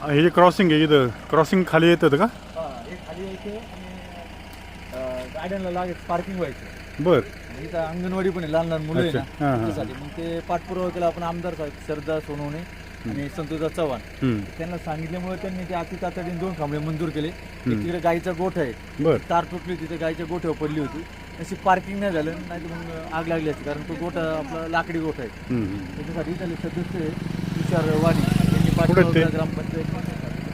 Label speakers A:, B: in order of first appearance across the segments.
A: हे जे क्रॉसिंग आहे इथं क्रॉसिंग खाली येतं का?
B: हे खाली यायचे आणि गाड्यांना लागेल पार्किंग व्हायचं.
A: बर.
B: इथं अंगणवाडी पण आहे, लहान लहान मुलं आहे
A: अच्छा.
B: ना
A: हां हां.
B: त्यासाठी. मग ते पाठपुरावा केला आपण आमदार शरदा सोनवणे आणि संतोषदा चव्हाण त्यांना सांगितल्यामुळे त्यांनी ते अति तातडीने 2 खांबळे मंजूर केले. एक तिकडे गाईचा गोठ आहे,
A: बर.
B: तार तुटली तिथे गाईच्या गोठ्यावर पडली होती. अशी पार्किंग नाही झालं, नाही तर मग आग लागली असती, कारण तो गोठा आपला लाकडी गोठा आहे. त्याच्यासाठी त्याला सदस्य आहे तुषार वाणी, त्यांनी पाठपुरावा ग्रामपंचायत.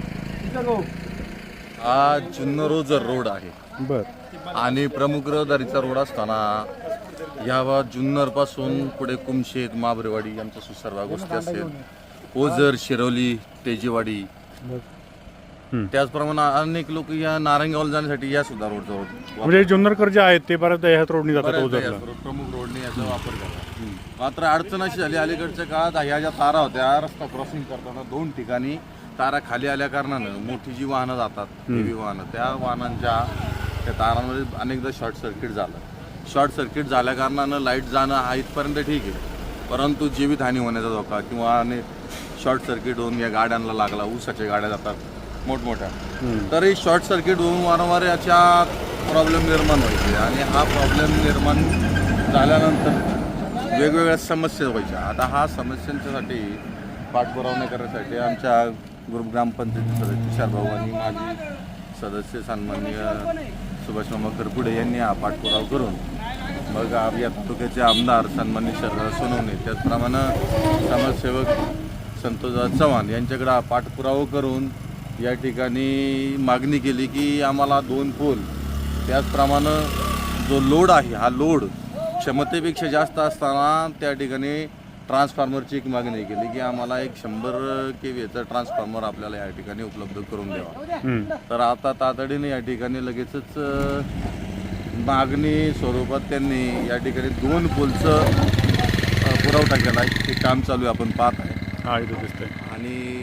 C: हा जुन्नर ओझर रोड आहे
A: बर.
C: आणि प्रमुख रहदारीचा रोड असताना या जुन्नर पासून पुढे कुमशेत, माबरेवाडी आमच्या सुसर्वा गोष्टी असेल, ओझर, शिरोली, तेजेवाडी, त्याचप्रमाणे अनेक लोक या नारंगावला जाण्यासाठी या सुद्धा रोडचा
A: म्हणजे जुन्नरकर जे आहेत ते बऱ्याचदा ह्याच रोडनी जातात ओझरला.
C: प्रमुख रोडने याचा वापर करा. मात्र अडचण अशी झाली अलीकडच्या काळात, ह्या ज्या तारा होत्या रस्ता क्रॉसिंग करताना 2 ठिकाणी तारा खाली आल्या कारणानं मोठी जी वाहनं जातात, हेवी वाहनं, त्या वाहनांच्या त्या तारांमध्ये अनेकदा शॉर्ट सर्किट झालं. शॉर्ट सर्किट झाल्या कारणानं लाईट जाणं हा इथपर्यंत ठीक आहे, परंतु जीवितहानी होण्याचा धोका किंवा शॉर्ट सर्किट होऊन या गाड्यांना लागला, ऊसाच्या गाड्या जातात मोठमोठ्या, तर हे शॉर्ट सर्किट होऊन वारंवार याच्या प्रॉब्लेम निर्माण व्हायचे आणि हा प्रॉब्लेम निर्माण झाल्यानंतर वेगवेगळ्या समस्या व्हायच्या. आता हा समस्यांच्यासाठी पाठपुरावा करण्यासाठी आमच्या ग्रामपंचायती सदस्य तुषार भाऊ आणि माजी सदस्य सन्माननीय सुभाष मामा करपुडे यांनी हा पाठपुरावा करून मग या तालुक्याचे आमदार सन्माननीय शरदा सोनवणे, त्याचप्रमाणे समाजसेवक संतोषदा चव्हाण यांच्याकडे हा पाठपुरावा करून या ठिकाणी मागणी केली की आम्हाला 2 पोल, त्याचप्रमाणे जो लोड आहे हा लोड क्षमतेपेक्षा जास्त असताना त्या ठिकाणी ट्रान्सफॉर्मरची एक मागणी केली की आम्हाला एक 100 kVचा ट्रान्सफॉर्मर आपल्याला या ठिकाणी उपलब्ध करून द्यावा. तर आता तातडीने या ठिकाणी लगेचच मागणी स्वरूपात त्यांनी या ठिकाणी 2 पोलचं पुरवठा केला आहे. ते काम चालू आहे, आपण पाहत आहे.
A: हा इथं दिसतंय.
C: आणि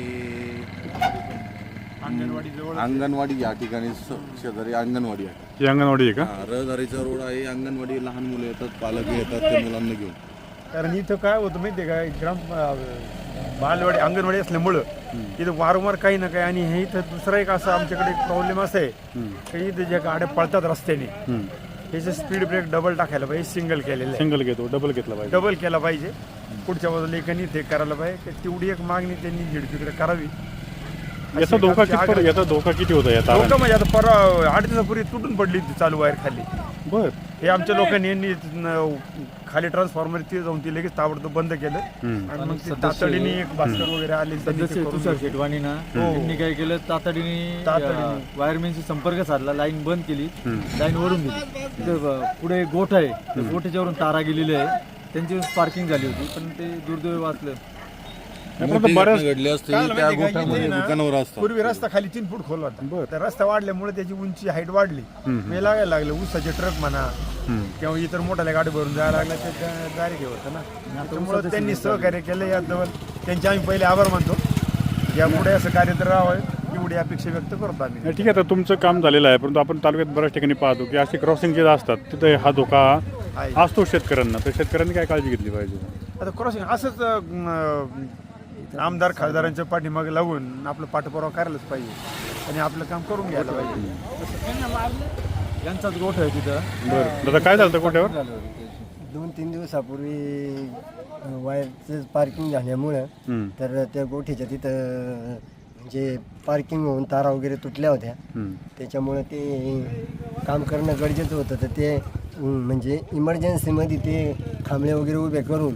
C: अंगणवाडी या ठिकाणी शेजारी अंगणवाडी आहे.
A: ही अंगणवाडी आहे का?
C: रहदारीचा रोड आहे, अंगणवाडी, लहान मुलं येतात, पालक येतात ते मुलांना घेऊन.
D: कारण इथं काय होतं माहिती आहे का, बालवाडी अंगणवाडी असल्यामुळं इथं वारंवार काही ना काही. आणि हे इथं दुसरा एक असं आमच्याकडे प्रॉब्लेम असा आहे की इथं ज्या गाड्या पळतात रस्त्याने, ह्याचं स्पीड ब्रेक डबल टाकायला पाहिजे, सिंगल केलेलं आहे.
A: सिंगल घेतो, डबल घेतला पाहिजे.
D: डबल केला पाहिजे. पुढच्या बाजूला एकानी ते करायला पाहिजे. तेवढी एक मागणी त्यांनी झिडपीकडे करावी.
A: याचा धोका किती होता या तारा?
D: धोका म्हणजे आता परवा 8 दिवसापूर्वी तुटून पडली ती चालू वायर खाली.
A: बर.
D: हे आमच्या लोकांनी यांनी खाली ट्रान्सफॉर्मर ते जाऊन ती लगेच ताबडतोब बंद केलं. आणि मग ते तातडीने एक भास्कर वगैरे आले,
B: सदस्य तुषार शेटवाणी ना त्यांनी काय केलं, तातडीने वायरमॅनशी संपर्क साधला, लाईन बंद केली, लाईन ओढून दिली. तिथं पुढे गोठ आहे, त्या गोठ्याच्यावरून तारा गेलेली आहे, त्यांची पार्किंग झाली होती, पण ते दुर्दैव वाचलं.
C: घडले असते त्या गोठ्यामध्ये दुकानावर असतात.
D: पूर्वी रस्ता खाली 3 फूट खोल होता, तर रस्ता वाढल्यामुळे त्याची उंची हाईट वाढली. मी लागायला लागले ऊसाचे ट्रक म्हणा किंवा इतर मोठ्या गाडी भरून जायला लागला, ते डायरेक्ट होतं ना. त्यामुळे त्यांनी सहकार्य केलं. याजवळ त्यांचे आम्ही पहिले आभार मानतो. यापुढे असं कार्य तर राहावं एवढी अपेक्षा व्यक्त करतो आम्ही.
A: ठीक आहे, तर तुमचं काम झालेलं आहे, परंतु आपण तालुक्यात बऱ्याच ठिकाणी पाहतो की असे क्रॉसिंग जे असतात तिथे हा धोका असतो शेतकऱ्यांना. तर शेतकऱ्यांनी काय काळजी घेतली पाहिजे?
D: आता क्रॉसिंग असंच आमदार खासदारांच्या पाठीमागे लागून आपलं पाठपुरावा करायलाच पाहिजे आणि आपलं काम करून घ्यायला पाहिजे.
B: यांचाच गोठ आहे तिथं.
A: बरं दादा, काय झालं गोठ्यावर?
E: 2-3 दिवसापूर्वी वायरचं पार्किंग झाल्यामुळं तर त्या गोठीच्या तिथं म्हणजे पार्किंग होऊन तारा वगैरे तुटल्या होत्या. त्याच्यामुळं ते काम करणं गरजेचं होतं. तर ते म्हणजे इमर्जन्सीमध्ये ते खांबळे वगैरे उभे करून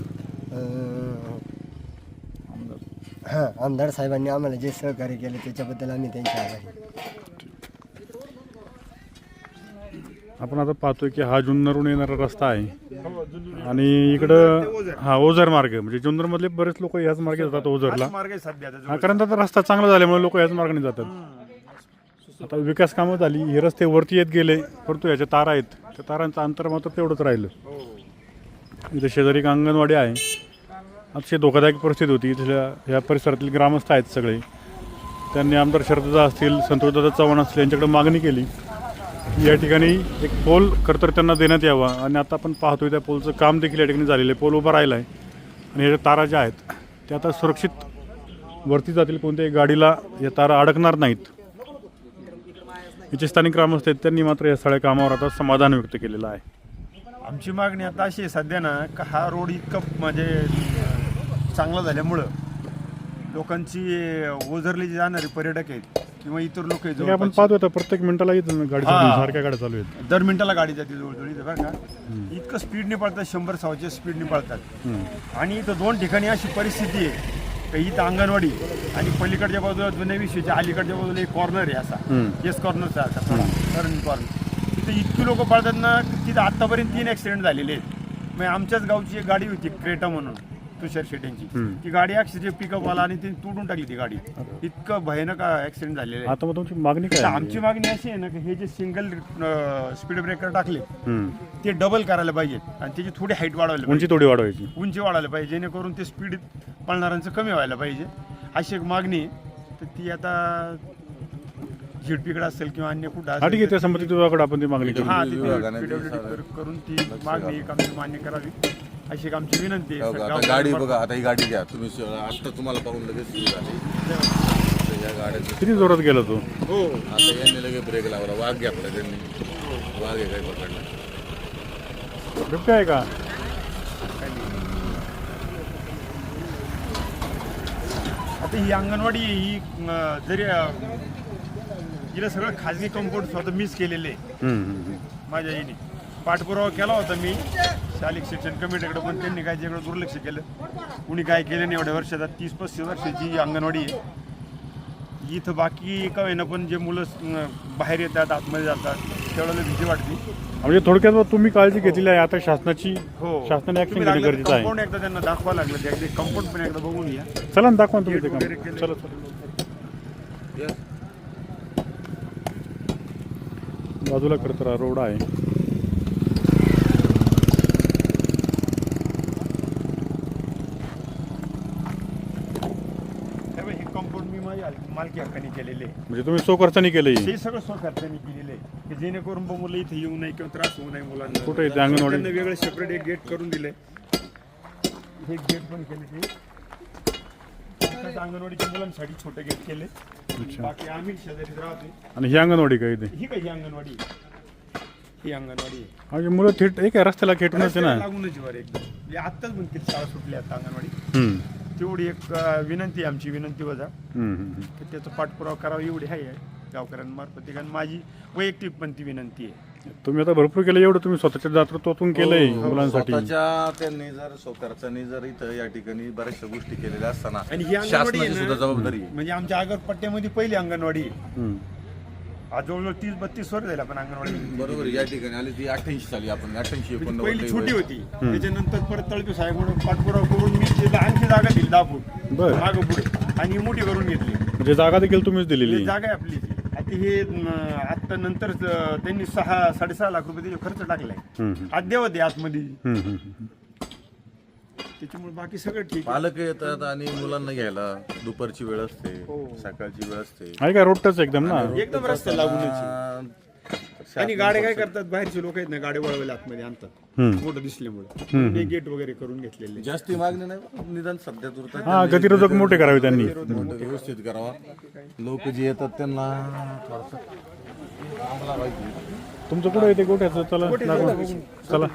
E: आमदार साहेबांनी आम्हाला जे सहकार्य केलं त्याच्याबद्दल आम्ही त्यांचे आभारी.
A: आपण आता पाहतोय की हा जुन्नरहून येणारा रस्ता आहे आणि इकडं हा ओझर मार्ग, म्हणजे जुन्नरमधले बरेच लोक याच मार्गे जातात ओझरला. हा, कारण आता रस्ता चांगला झाल्यामुळे लोक याच मार्गाने जातात. आता विकास कामं झाली, हे रस्ते वरती येत गेले, परंतु याच्या तारा आहेत, त्या तारांचं अंतर मात्र तेवढंच राहिलं. इथं शेजारी एक अंगणवाडी आहे. अतिशय धोकादायक परिस्थिती होती. इथल्या ह्या परिसरातील ग्रामस्थ आहेत सगळे, त्यांनी आमदार शरददा असतील, संतोषदादा चव्हाण असतील यांच्याकडे मागणी केली की या ठिकाणी एक पोल खरंतर त्यांना देण्यात यावा. आणि आता आपण पाहतोय त्या पोलचं काम देखील या ठिकाणी झालेलं आहे. पोल उभा राहिला आहे आणि ह्याच्या तारा ज्या आहेत त्या आता सुरक्षित वरती जातील कोणत्याही गाडीला या तारा अडकणार नाहीत. इथे स्थानिक ग्रामस्थ आहेत, त्यांनी मात्र या सगळ्या कामावर आता समाधान व्यक्त केलेलं आहे.
D: आमची मागणी आता अशी आहे सध्या ना का हा रोड इतकं म्हणजे चांगला झाल्यामुळं लोकांची ओझरली जी जाणारे पर्यटक आहेत किंवा इतर लोक आहेत
A: हे आपण पाहतो आता प्रत्येक मिनिटाला इथं गाडी चालू आहे, सारख्या गाड्या चालू आहेत.
D: दर मिनिटाला गाडी जाते जवळजवळ इथं बरं का. इतकं स्पीडने पळतात, 100-100च्या स्पीडने पळतात. आणि इथं 2 ठिकाणी अशी परिस्थिती आहे का इथं अंगणवाडी आणि पलीकडच्या बाजूला जुन्या विषयीच्या अलीकडच्या बाजूला एक कॉर्नर आहे असा येस कॉर्नरचा असा थोडा टर्न कॉर्नर. तिथं इतकी लोक पळतात ना तिथं आत्तापर्यंत 3 ॲक्सिडेंट झालेले आहेत. मग आमच्याच गावची एक गाडी होती क्रेटा म्हणून तुषार शेट्यांची, ती गाडी ॲक्सिडेंट पिकअप आला आणि ती तोडून टाकली ती गाडी. इतकं भयानक ॲक्सिडेंट झालेले आहे.
A: आता मग तुमची मागणी काय
D: तर
A: आहे?
D: आमची मागणी अशी आहे ना की हे जे सिंगल स्पीड ब्रेकर टाकले ते डबल करायला पाहिजेत आणि त्याची थोडी हाईट वाढवायला
A: उंची थोडी वाढवायची.
D: पाहिजे, उंची वाढवायला पाहिजे जेणेकरून ते स्पीड पळणाऱ्यांचं कमी व्हायला पाहिजे अशी एक मागणी आहे. तर ती आता झिडपीकडे असेल किंवा अन्य कुठं
A: हा ठीक आहे, त्या संबंधित विभागाकडे आपण ती मागणी करू.
D: हा करून ती मागणी एक आमची मान्य करावी अशी एक आमची विनंती आहे.
C: आता गाडी बघा, आता ही गाडी घ्या तुम्ही, आता तुम्हाला पाहून लगेच सुरू झाली. तर या गाड्याचं
A: किती जोरात गेला तो.
D: हो
C: आता यांनी लगेच ब्रेक लावला, वाघ घेतला त्यांनी, वाघ आहे काही पकडला.
A: बिबट्या आहे का?
D: आता ही अंगणवाडी ही जरी हिला सगळं खाजगी कंपाऊंड स्वतः मीच केलेले आहे. माझ्या याने पाठपुरावा केला होता मी शालेय शिक्षण कमिटीकडे, पण त्यांनी काय त्याकडे दुर्लक्ष केलं. कुणी काय केलं नाही. एवढ्या वर्षात 30-35 वर्षाची अंगणवाडी आहे इथं. बाकी का होईना पण जे मुलं बाहेर येतात आतमध्ये जातात त्यावेळेला भीती वाटते.
A: म्हणजे थोडक्यात तुम्ही काळजी घेतली आहे आता शासनाची.
D: हो
A: शासनाने ऍक्शन घेणे गरजेचं आहे.
D: कंपाऊंड एकदा त्यांना दाखवा लागलं, ते अगदी कंपाऊंड पण एकदा बघून घ्या.
A: चला ना दाखवा ना तुम्ही ते
D: गेट वगैरे
A: काम.
D: केलं.
A: चला चला बाजूला करत राहा, रोड आहे.
D: हे कंपाऊंड मी माझ्या मालकी हक्काने केलेले आहे.
A: म्हणजे तुम्ही सो खर्चाने केलं
D: हे सगळं स्वखर्चाने केलेलं आहे की जेणेकरून मुलं इथे येऊ नये किंवा त्रास होऊ नये मुलांना.
A: कुठे आहे ते अंगणवाडी?
D: त्यांना वेगळं सेपरेट एक गेट करून दिलंय. हे गेट पण केले ते अंगणवाडीच्या मुलांसाठी छोटे गेट केले. बाकी आम्ही शेजारी राहतो.
A: आणि ही अंगणवाडी काय इथे?
D: ही काही अंगणवाडी आहे. ही अंगणवाडी आहे.
A: म्हणजे मुलं थेट एक रस्त्याला खेटूनच आहे ना.
D: लागूनच वर एकदम आत्ताच म्हणते शाळा सुटली आता अंगणवाडी. तेवढी एक विनंती आहे आमची, विनंती वजा की त्याचा पाठपुरावा करावा एवढी आहे गावकऱ्यांमार्फत. कारण माझी वैयक्तिक पण ती विनंती आहे.
A: तुम्ही आता भरपूर केलं, एवढं तुम्ही स्वतःच्या दातृत्वातून केलंय मुलांसाठी.
C: स्वतःच्या त्यांनी जर स्वखर्चाने जर इथं या ठिकाणी बऱ्याचशा गोष्टी केलेल्या असताना
D: आणि ही अंगणवाडी
C: शासनाची सुद्धा जबाबदारी आहे.
D: म्हणजे आमच्या आगरपट्ट्यामध्ये पहिली अंगणवाडी आहे. आज जवळजवळ 30-32 वर्ष झाले आपण अंगणवाडी.
C: बरोबर, या ठिकाणी आली ती 88 साली, आपण 88-89
D: पहिली छोटी होती. त्याच्यानंतर परत तळपे साहेब म्हणून पाठपुरावा करून मी आणखी जागा दिली 10 फूट
A: बरं.
D: मागं पुढे आणि मोठी करून घेतली.
A: म्हणजे जागा देखील तुम्हीच दिलेली.
D: ही जागा आहे आपली. आता हे आता नंतर त्यांनी 6-6.5 लाख रुपये त्याचे खर्च टाकलाय. अद्यावत आहे आतमध्ये. त्याच्यामुळे बाकी सगळं ठीक आहे.
C: पालक येतात आणि मुलांना घ्यायला दुपारची वेळ असते, सकाळची वेळ असते.
A: आहे का रोड टच एकदम ना.
D: एकदम रस्ता लागूनच. आणि गाड्या काय करतात, बाहेरचे लोक आहेत ना गाड्या वळवायला आतमध्ये आणतात मोठं दिसल्यामुळे. गेट वगैरे करून घेतलेले.
C: जास्ती मागणी नाही, निदान सध्या तुरत
A: हा गतिरोधक मोठे करावे त्यांनी.
C: व्यवस्थित करावा. लोक जे येतात त्यांना थोडंसं थांबला पाहिजे.
A: तुमचं कुठं येते गोठ्याचं? चला दाखवा. चला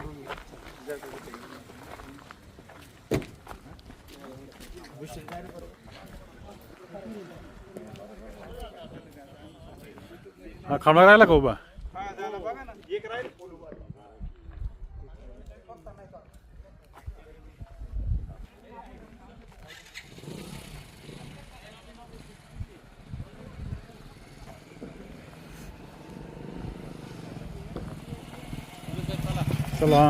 A: हा खांबा राहिला का उभा? चला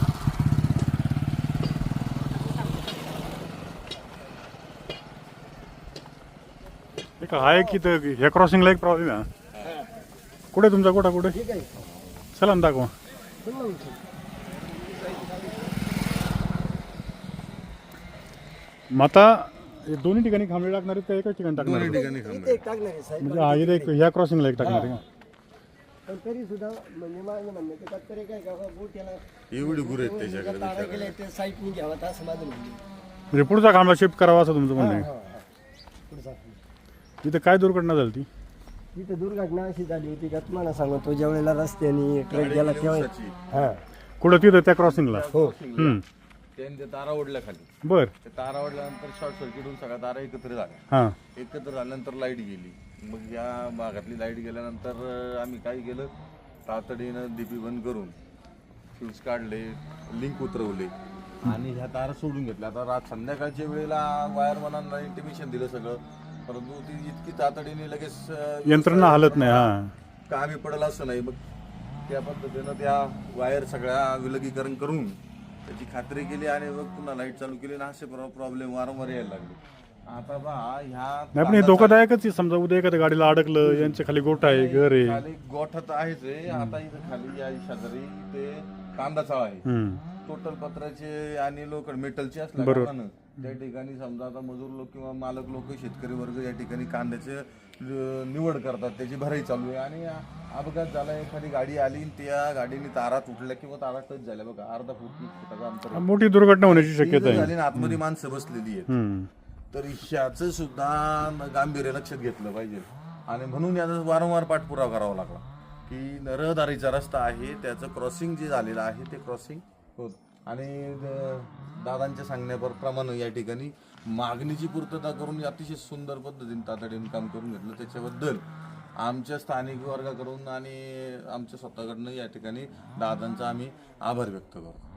A: एक आहे की तर ह्या क्रॉसिंगला एक प्रॉब्लेम आहे. कुठे तुमचा गोठा कुठे? चला ना दाखवा. मग आता दोन्ही ठिकाणी खांबळे लागणार आहेत का एकाच ठिकाणी टाकणार आहेत?
E: इथे एक टाकणार आहे साहेब.
A: म्हणजे हा इथे एक ह्या क्रॉसिंगला एक टाकणार आहे का?
E: पण तरी सुद्धा म्हणजे माझं म्हणणं आहे, त्यात तरी काय का गोट्याला
C: एवढी गुरु आहेत त्याच्याकडे.
E: तारा गेल्या ते साईटनी घ्यावा असं माझं म्हणणं आहे.
A: म्हणजे पुढचा खांबा शिफ्ट करावा असं तुमचं म्हणणं आहे.
E: पुढचा
A: तिथं काय दुर्घटना झाली ती?
E: तिथं दुर्घटना अशी झाली होती का तुम्हाला सांगतो, ज्या वेळेला रस्त्याने ट्रक गेला तेव्हा हा
A: कुठं तिथं त्या क्रॉसिंगला?
E: हो
C: त्याने ते तारा ओढल्या खाली.
A: बर.
C: ते तारा ओढल्यानंतर शॉर्ट सर्किट होऊन सगळ्या तारा एकत्र झाल्या.
A: हां.
C: एकत्र झाल्यानंतर लाईट गेली. मग या भागातली लाईट गेल्यानंतर आम्ही काय केलं, तातडीनं डीपी बंद करून फ्यूज काढले, लिंक उतरवले आणि ह्या तारा सोडून घेतल्या. आता संध्याकाळच्या वेळेला वायरमॅनांना इंटिमेशन दिलं सगळं, परंतु ती इतकी तातडीने लगेच
A: यंत्रणा हालत नाही. हा,
C: कामी पडलं असं नाही. मग त्या पद्धतीनं त्या वायर सगळ्या विलगीकरण करून त्याची खात्री केली आणि मग पुन्हा लाईट चालू केली आणि असे प्रॉब्लेम वारंवार यायला लागले. आता बा ह्या
A: नाही पण हे धोकादायकच आहे. समजा उद्या एखाद्या गाडीला अडकलं, यांच्या खाली गोठा आहे, घर आहे.
C: खाली गोठा तर आहेच आहे. आता इथं खाली या शेजारी ते कांदा चाळ आहे. टोटल पत्राचे आणि लोक मेटलचे असल्या कारणानं त्या ठिकाणी समजा आता मजूर लोक किंवा मालक लोक, शेतकरी वर्ग या ठिकाणी कांद्याचे निवड करतात, त्याची भराई चालू आहे आणि अपघात झाला. एखादी गाडी आली, त्या गाडीने तारा तुटल्या किंवा तारा टच झाल्या, बघा अर्धा फुटाचा अंतर,
A: मोठी दुर्घटना होण्याची शक्यता आहे.
C: झाली आणि आतमध्ये माणसं बसलेली आहेत. तर ह्याचं सुद्धा गांभीर्य लक्षात घेतलं पाहिजे आणि म्हणून याचा वारंवार पाठपुरावा करावा लागला की रहदारीचा रस्ता आहे, त्याचं क्रॉसिंग जे झालेलं आहे ते क्रॉसिंग होत आणि दादांच्या सांगण्याप्रमाणे या ठिकाणी मागणीची पूर्तता करून अतिशय सुंदर पद्धतीने तातडीने काम करून घेतलं. त्याच्याबद्दल आमच्या स्थानिक वर्गाकडून आणि आमच्या स्वतःकडनं या ठिकाणी दादांचा आम्ही आभार व्यक्त करतो.